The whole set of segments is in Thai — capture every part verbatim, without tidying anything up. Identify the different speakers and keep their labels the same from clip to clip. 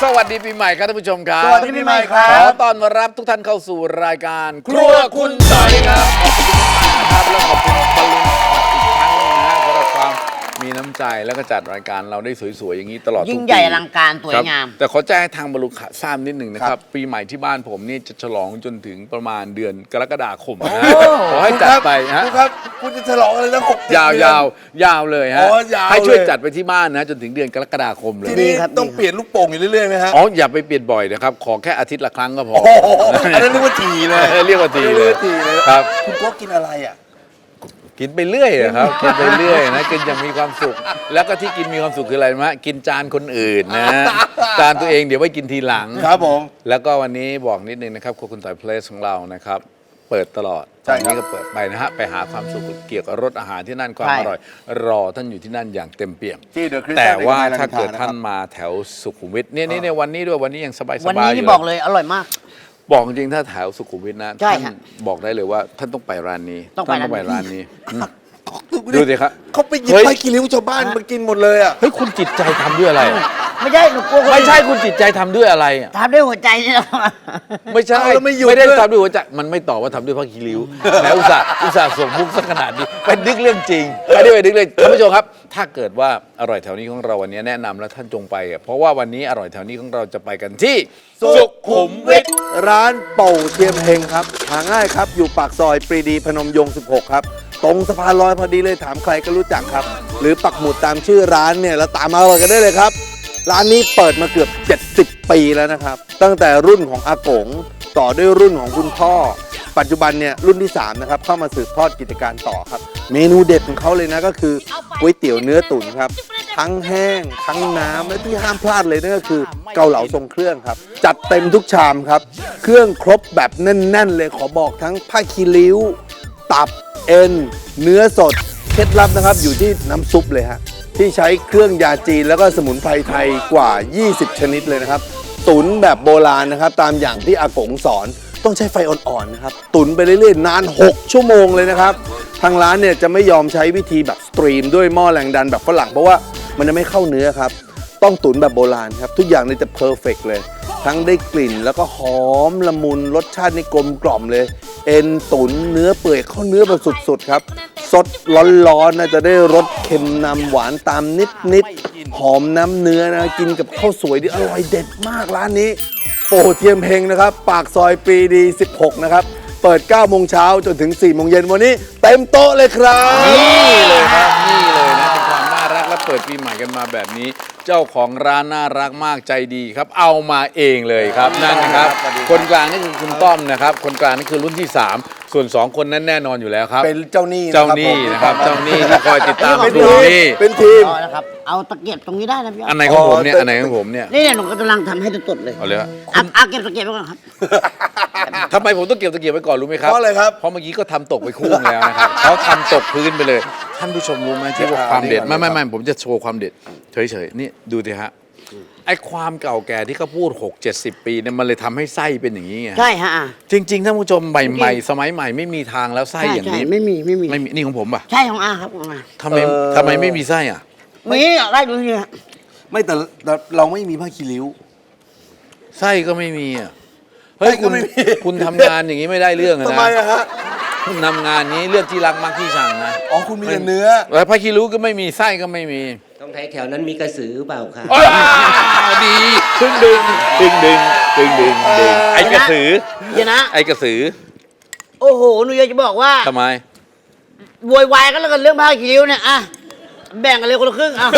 Speaker 1: สวัสดีปีใหม่ครับท่านผู้ชมครับ
Speaker 2: สวัสดีปีใหม่ครับ
Speaker 1: ขอต้อนรับทุกท่านเข้าสู่รายการครัวคุณใสครับขอบคุณมากนะครับแล้วขอบคุณบอลลูนอีกครั้งนึงนะฮะสำหรับความมีน้ำใจแล้วก็จัดรายการเราได้สวยๆอย่างนี้ตลอดทุกปี
Speaker 3: ยิ่งใหญ่อลังการสวยงาม
Speaker 1: แต่ขอแจ้งให้ทางบอลลูนทราบนิดหนึ่งนะครับปีใหม่ที่บ้านผมนี่จะฉลองจนถึงประมาณเดือนกรกฎาคมนะฮะขอให้จัดไปฮะ
Speaker 2: คุณครับคุณจะฉลองอะไรตั้งหก
Speaker 1: ยาวยาวยาวเลยฮะ
Speaker 2: อ๋อยาวเลย
Speaker 1: ให้ช่วยจัดไปที่บ้านนะจนถึงเดือนกรกฎาคมเลย
Speaker 2: ทีนี้
Speaker 3: ดีครับ
Speaker 2: ต้องเปลี่ยนลูกโป่งอยู่เรื่อยๆไหมฮะ
Speaker 1: อ๋ออย่าไปเปลี่ยนบ่อยนะครับขอแค่อาทิตย์ละครั้งก็พอ
Speaker 2: โอ้โหอันนั้นเรียกว่าทีเลย
Speaker 1: เรียกว่าทีเลย
Speaker 2: เรียกว่าทีเลย
Speaker 1: ครับ
Speaker 2: คุณโก้กินอะไรอ่ะ
Speaker 1: กินไปเรื่อยอะครับกินไปเรื่อยนะกินอย่างมีความสุข แล้วก็ที่กินมีความสุขคืออะไรมะกินจานคนอื่นนะจานตัวเองเดี๋ยวไว้กินทีหลัง
Speaker 2: ครับผม
Speaker 1: แล้วก็วันนี้บอกนิดนึงนะครับครัวคุณต่อยเพลสของเรานะครับเปิดตลอด
Speaker 2: ใช่
Speaker 1: ตอน
Speaker 2: ครับ
Speaker 1: นี้ก็เปิดไปนะฮะไปหาความสุขเกี่ยวกับรสอาหารที่นั่นความ
Speaker 3: ใช่
Speaker 1: อร่อย รอท่านอยู่ที่นั่นอย่างเต็มเปี่ยม
Speaker 2: ที่ The Crystal
Speaker 1: แต่ว่าถ้า
Speaker 2: ใน
Speaker 1: เกิด
Speaker 2: รมอินทร
Speaker 1: ท่านมาแถวสุขุมวิทเนี่ยนี่ในวันนี้ด้วยวันนี้ยังสบายๆ
Speaker 3: วันนี้
Speaker 1: ยู่
Speaker 3: นี่บอกเลยอร่อยมาก
Speaker 1: บอกจริงๆถ้าแถวสุขุมวิทนะ
Speaker 3: ใช่
Speaker 1: ท่า
Speaker 3: ฮะ
Speaker 1: นบอกได้เลยว่าท่านต้องไปร้านนี้
Speaker 3: ต้องไป
Speaker 1: ท่านต้องไป
Speaker 3: ร้า
Speaker 1: ร้าน น
Speaker 3: นี้
Speaker 1: นี้อืม ดูสิครับ
Speaker 2: เขาไปหยิบ
Speaker 1: เฮ้ย
Speaker 2: ไผ่กิริ้วชาวบ้านมากินหมดเลยอ่ะ
Speaker 1: เฮ้ยคุณจิตใจทำด้วยอะไร
Speaker 3: ไม่ใช่หนูกลัวคน
Speaker 1: ไม่ใช่คุณจิตใจทำด้วยอะไรอะ
Speaker 3: ทำด้วยหัวใจนี่แหละ
Speaker 1: ไม่ใช่
Speaker 2: เอาแล้วไม่หยุด
Speaker 1: ไม่ได้
Speaker 2: ด้วย
Speaker 1: ทำด้วยหัวใจมันไม่ตอบว่าทำด้วยพระคีริ้วแล้วอุตส่าห์อุตส่าห์ส่งมุกสักขนาดนี้เป็นนึกเรื่องจริงไม่ได้ไปนึกเลยท่านผู้ชมครับ ถ้าเกิดว่าอร่อยแถวนี้ของเราวันนี้แนะนำแล้วท่านจงไปอะเพราะว่าวันนี้อร่อยแถวนี้ของเราจะไปกันที่
Speaker 2: สุขุมวิทร้านเป่าเทียมเฮงครับหาง่ายครับอยู่ปากซอยปรีดีพนมยงค์สิบหกครับตรงสะพานลอยพอดีเลยถามใครก็รู้จักครับ หรือปักหมุดตามชื่อร้านเนี่ยแล้วตามมาเลยกันได้เลยครับ ร้านนี้เปิดมาเกือบเจ็ดสิบปีแล้วนะครับตั้งแต่รุ่นของอากงต่อด้วยรุ่นของคุณพ่อ ปัจจุบันเนี่ยรุ่นที่สามนะครับเข้ามาสืบทอดกิจการต่อครับเมนูเด็ดของเขาเลยนะก็คือก๋วยเตี๋ยวเนื้อตุ๋นครับทั้งแห้งทั้งน้ำและที่ห้ามพลาดเลยนั่นก็คือเกาเหลาทรงเครื่องครับจัดเต็มทุกชามครับเครื่องครบแบบแน่นๆเลยขอบอกทั้งผ้าคีริ้ว ตับเอ็นเนื้อสดเคล็ดลับนะครับอยู่ที่น้ำซุปเลยฮะที่ใช้เครื่องยาจีนแล้วก็สมุนไพรไทยกว่า ยี่สิบ ชนิดเลยนะครับตุ๋นแบบโบราณนะครับตามอย่างที่อากงสอนต้องใช้ไฟอ่อนๆนะครับตุ๋นไปเรื่อยๆนาน หก ชั่วโมงเลยนะครับทางร้านเนี่ยจะไม่ยอมใช้วิธีแบบสตรีมด้วยหม้อแรงดันแบบฝรั่งเพราะว่ามันจะไม่เข้าเนื้อครับต้องตุ๋นแบบโบราณครับทุกอย่างเนี่ยจะเพอร์เฟกต์เลยทั้งได้กลิ่นแล้วก็หอมละมุนรสชาตินี่กลมกล่อมเลยเอ็นตุ๋นเนื้อเปื่อยเข้าเนื้อแบบสุดๆครับสดร้อนๆนะจะได้รสเค็มนำหวานตามนิดๆหอมน้ำเนื้อนะกินกับข้าวสวยที่อร่อยเด็ดมากร้านนี้โป่เทียมเฮงนะครับปากซอยปรีดีสิบหกนะครับเปิดเก้าโมงเช้าจนถึงสี่โมงเย็นวันนี้เต็มโต๊ะเลยครับ
Speaker 1: นี่เลยครับนี่เลยนะเป็นความน่ารักและเปิดปีใหม่กันมาแบบนี้ เจ้าของร้านน่ารักมากใจดีครับเอามาเองเลยครับนั่นนะครับคนกลางนี่คือคุณต้อมนะครับคนกลางนี่คือรุ่นที่สามส่วนสองคนนั้นแน่นอนอยู่แล้วครับ
Speaker 2: เป็นเจ้าหนี้
Speaker 1: เจ้าหนี้นะครับเจ้าหนี้ที่คอยติดตาม
Speaker 2: เป็น
Speaker 1: ดู
Speaker 2: ทีม
Speaker 1: นี่
Speaker 2: เป็นทีม
Speaker 3: อ๋อนะครับเอาตะเกียบตรงนี้ได้นะพี่
Speaker 1: อันไหนของผมเนี่ยอันไหนของผมเนี่ย
Speaker 3: นี่เนี่ยหนูกำลังทำให้ตุดๆเลย
Speaker 1: เอาเลยครับ
Speaker 3: เอาเอาเก็บตะเกียบไว้ก่อนครับ
Speaker 1: ทำไมผมต้องเก็บตะเกียบไว้ก่อนรู้ไหมครับ
Speaker 2: เพราะอะไรครับ
Speaker 1: เพราะเมื่อกี้ก็ทำตกไปคู่แล้วนะครับเขาทำตกพื้นไปเลยท่านผู้ชมรู้ไหมที่ว่าความเด็ดไม่ไม่ไม่ผมจะโชว์ความเด็ดเฉยๆนี่ดูดิฮะไอ้ความเก่าแก่ที่เขาพูดหกเจ็ดสิบปีเนี่ยมันเลยทำให้ไส้เป็นอย่างนี้ไง
Speaker 3: ใช่ฮะอ่ะ
Speaker 1: จริงๆท่านผู้ชมใหม่ๆสมัยใหม่ไม่มีทางแล้วไส้
Speaker 3: ใช่
Speaker 1: อย่าง
Speaker 3: ใช่
Speaker 1: นี้
Speaker 3: ไม่มีไม่มี
Speaker 1: ไม่มีนี่ของผมป่ะ
Speaker 3: ใช่ของอาครับของอา
Speaker 1: ทำไม
Speaker 2: เออ
Speaker 1: ทำไมไม่มีไส้อ่ะ
Speaker 3: มีได้ดูนี่ฮะ
Speaker 2: ไม่แต่แต่เราไม่มีผ้าคีริ้ว
Speaker 1: ไส้ก็ไม่มีอ่ะเฮ้ย
Speaker 2: ไส้ก็
Speaker 1: คุณ
Speaker 2: ไม่มี
Speaker 1: คุณทำงานอย่างนี้ไม่ได้เรื่องอะ
Speaker 2: ทำ
Speaker 1: นะ
Speaker 2: ไมอะฮะ
Speaker 1: คุณทำงานนี้เลือกที่รักมักที่ชังนะ
Speaker 2: อ๋อคุณมีแต่เนื้อ
Speaker 1: แล้วพระคีรู้ก็ไม่มีไส้ก็ไม่มี
Speaker 4: ต้องไทยแถวนั้นมีกระสือเปล่าคะ
Speaker 1: อ้าวดีดึงดึงดึงดึงดึงดึงดึงไอ้กระสือ
Speaker 3: เดี๋ยวนะ
Speaker 1: ไอ้กระสือ
Speaker 3: โอ้โหหนูอยากจะบอกว่า
Speaker 1: ทำไม
Speaker 3: โวยวายกันแล้วกันเรื่องผ้าคีริ้วเนี่ยอ่ะแบ่งกันเลยคนละครึ่งอ่ะ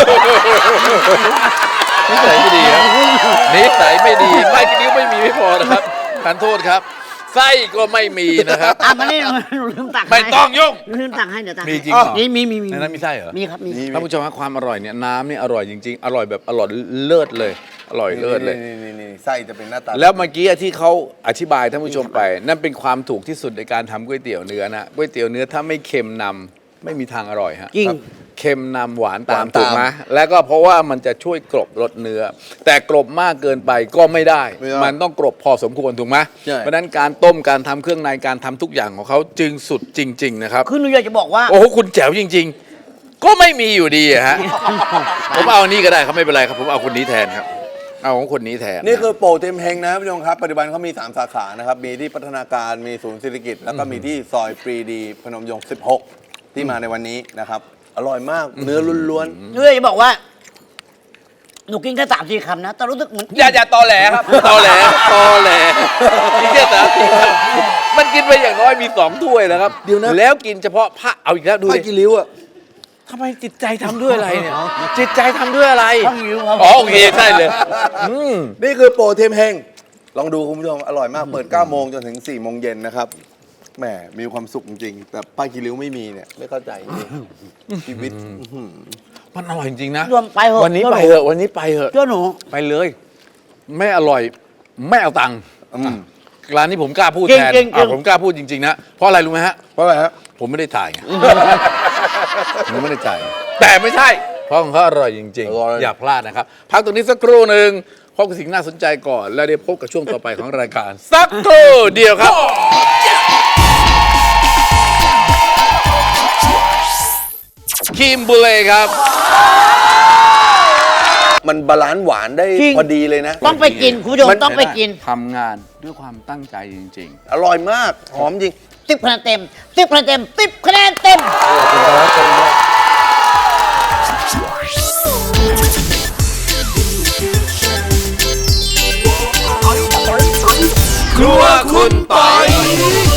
Speaker 1: นิสัยไม่ดีครับนิสัยไม่ดีไม่คีริ้วไม่มีไม่พอนะครับทานโทษครับไส้ก็ไม่มีนะครับ
Speaker 3: อ่ะมานี่หนูหนูลืมตักให้
Speaker 1: ไม่ต้องยุ่ง
Speaker 3: หนูลืมตักให้เดี๋ยวตัก
Speaker 1: มี
Speaker 3: ให้
Speaker 1: จริงเหรอ
Speaker 3: มีมีมีมี
Speaker 1: ในนั้นมีไส้เหรอ
Speaker 3: มีครับมี
Speaker 2: มี
Speaker 1: ท่านผู้ชมครับความอร่อยเนี่ยน้ำเนี่ยอร่อยจริงๆ อร่อยแบบอร่อยเลิศเลย อร่อยเลิศเลย
Speaker 2: นี่นี่นี่ไส้จะเป็นหน้าตา
Speaker 1: แล้วเมื่อกี้ที่เขาอธิบายท่านผู้ชมไป นั่นเป็นความถูกที่สุดในการทำก๋วยเตี๋ยวเนื้อนะก๋วยเตี๋ยวเนื้อถ้าไม่เค็มนำไม่มีทางอร่อยฮะ
Speaker 3: จริง
Speaker 1: ครับเค็มนำหวานตาม
Speaker 2: หวานตาม
Speaker 1: ถูกไหมแล้วก็เพราะว่ามันจะช่วยกลบรสเนื้อ แต่กลบมากเกินไปก็ไม่ได้
Speaker 2: ไม่ได้
Speaker 1: มันต้องกลบพอสมควรถูกไหม
Speaker 2: ใช่
Speaker 1: เพราะฉะนั้นการต้มการทำเครื่องในการทำทุกอย่างของเขาจึงสุดจริง ๆ นะครับ
Speaker 3: คือหนูอยากจะบอกว่า
Speaker 1: โอ้โหคุณแจ๋วจริง ๆ ก็ไม่มีอยู่ดีอะฮะ ผมเอาอันนี้ก็ได้ครับไม่เป็นไรครับผมเอาคนนี้แทนครับเอาของคนนี้แทน
Speaker 2: นี่คือโป่เต็มเฮงนะพี่น้องครับปัจจุบันเขามี สาม สาขานะครับ มีที่พัฒนาการมีศูนย์เศรษฐกิจ แล้วก็มีที่ซอยปรีดีพนมยงค์สิบหก ที่มาในวันนี้นะครับ อร่อยมากเนื้อล้วน
Speaker 3: เนื่อยจะบอกว่า หนูกินแค่สามสี่คำนะ แต่รู้สึกเหมือน
Speaker 1: อย่าอย่าตอแหลครับ ตอแหลตอแหลนี่เชื่อแต่มันกินไปอย่างน้อยมีสองถ้วยแล้วครับเดี๋ยวนะแล้วกินเฉพาะผ้าเอาอีกแล้วดู
Speaker 2: ๆผ้า
Speaker 1: ดิ
Speaker 2: กิริ้วอ่ะ
Speaker 1: ทำไมจิตใจทำด้วยอะไรเนี่ย จิตใจทำด้วยอะไร
Speaker 3: ข้าวหิวครับ
Speaker 1: อ๋อโอเคใช่เลยอืม
Speaker 2: นี่คือโป่เต็มเฮงลองดูคุณผู้ชมอร่อยมากเปิดเก้าโมงจนถึงสี่โมงเย็นนะครับแหมมีความสุขจริงๆแต่ผ้ากิริ้วไม่มีเนี่ยไม่เข้าใจจริงชีวิตอื้อหือ
Speaker 1: มันอร่อยจริงๆนะ
Speaker 3: รวมไปเถอะ
Speaker 1: วันนี้
Speaker 3: เชื่อ
Speaker 1: ไป
Speaker 3: หนู
Speaker 1: เถอะวันนี้ไปเถอะ
Speaker 3: เชื่อหนู
Speaker 1: ไปเลยไม่อร่อยไม่เอาตังค์
Speaker 2: อืม
Speaker 1: ร้านนี้ผมกล้าพูด
Speaker 3: จริง
Speaker 1: แทน
Speaker 3: จริงจริง
Speaker 1: อ่ะผมกล้าพูดจริงๆนะเพราะอะไรรู้ไหมฮะ
Speaker 2: เพราะอะไรฮะ
Speaker 1: ผมไม่ได้จ่ายไง ผมไม่ได้จ่ายแต่ไม่ใช่ เพราะของเขาอร่อยจริง
Speaker 2: อร่อย
Speaker 1: ๆ อย่าพลาดนะครับ พักตรงนี้สักครู่หนึ่งพบกับสิ่งน่าสนใจก่อน แล้วเดี๋ยวพบกับช่วงต่อไปของรายการ สักครู่เดียวครับ คิมบุเล่ครับ
Speaker 2: มันบาลานซ์หวานได้
Speaker 3: จริง
Speaker 2: พอดีเลยนะ
Speaker 3: ต้องไปกินคุณผู้ชมต้องไปกิน
Speaker 1: ทำงานด้วยความตั้งใจจริง
Speaker 2: อร่อยมากหอมจริง
Speaker 3: สิบคะแนนเต็มสิบคะแนนเต็มสิบคะแนนเต็ม
Speaker 1: ๆ ครัวคุณปอย